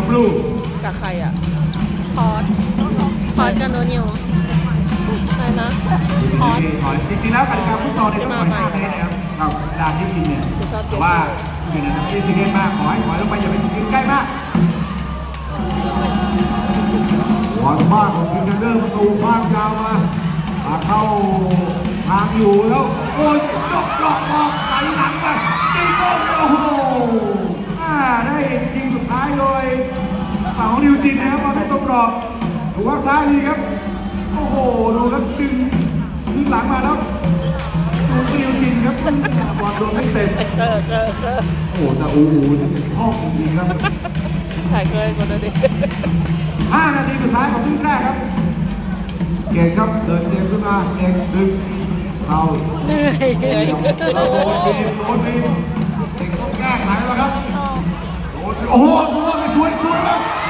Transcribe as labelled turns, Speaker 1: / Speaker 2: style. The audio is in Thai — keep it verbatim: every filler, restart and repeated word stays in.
Speaker 1: บลู
Speaker 2: กับใครอ่ะ
Speaker 3: พอร์ตพอร์ตกับโนนิว
Speaker 2: ใครนะ
Speaker 3: พอร์ต
Speaker 1: จริงๆแล้วกติกาฟุตซอลเนี่ยต้องปล่อยข้ามได้นะครับครับเวลาที่กินเนี่ยแต่ว่าอยู่ในที่ซีเรียสมากขอให้ถอยลงไปอย่าไปกินใกล้มากบอลบ้านของกินเดอร์ประตูบ้านยาวมาเข้าทางอยู่แล้วโอ้ยดอกดอกออกไหลหลังไปตีโก้โอ้โหได้ยิงสุดท้ายโดยฝั่งของนิวจินนะครับบอลได้ตรงกรอบถูกว่าช้าดีครับโอ้โหดูครับดึงดึงหลังมาแล้วดูนิวจินครับบอลโดนไม่เต็ม
Speaker 2: เออเออเออ
Speaker 1: โอ้แต่อูอูนี่เป็นข้อจริงๆครับ
Speaker 2: ถ่ายเคยคนละดิ
Speaker 1: ห้านาทีสุดท้ายของครึ่งแรกครับเก่งครับเดินเกมขึ้นมาเก่งดึงเรา
Speaker 2: เหนื่อยเหนื่อย
Speaker 1: เราโดนบีโดนบีเก่งต้องแก้ไขแล้วครับโดนโอ้โหโดนไปช่วยช่วยครับ